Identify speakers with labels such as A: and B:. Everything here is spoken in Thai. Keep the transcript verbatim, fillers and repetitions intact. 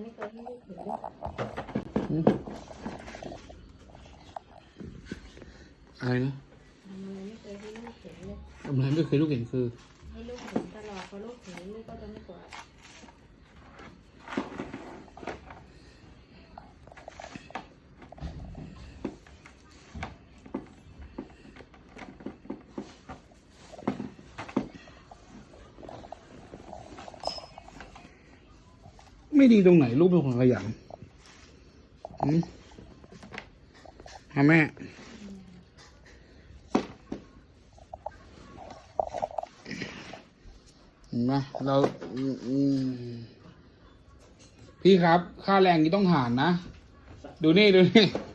A: เคยให้ลูกเห็นเลย
B: อะไรนะ
A: ทำอะไรไม่เคยให้ลูกเห็นเลย
B: ทำอะไรไม่เคยลูกเห็นคือ
A: ให้ลูกเห็นตลอดพอลูกเห็นลูกก็จะไม่กวาด
B: ไม่ดีตรงไหนลูกเป็นคนขยันอืมฮะแม่เห็นไหมเราอืมอืมพี่ครับ ค่าแรงนี้ต้องหารนะ ดูนี่ ดูนี่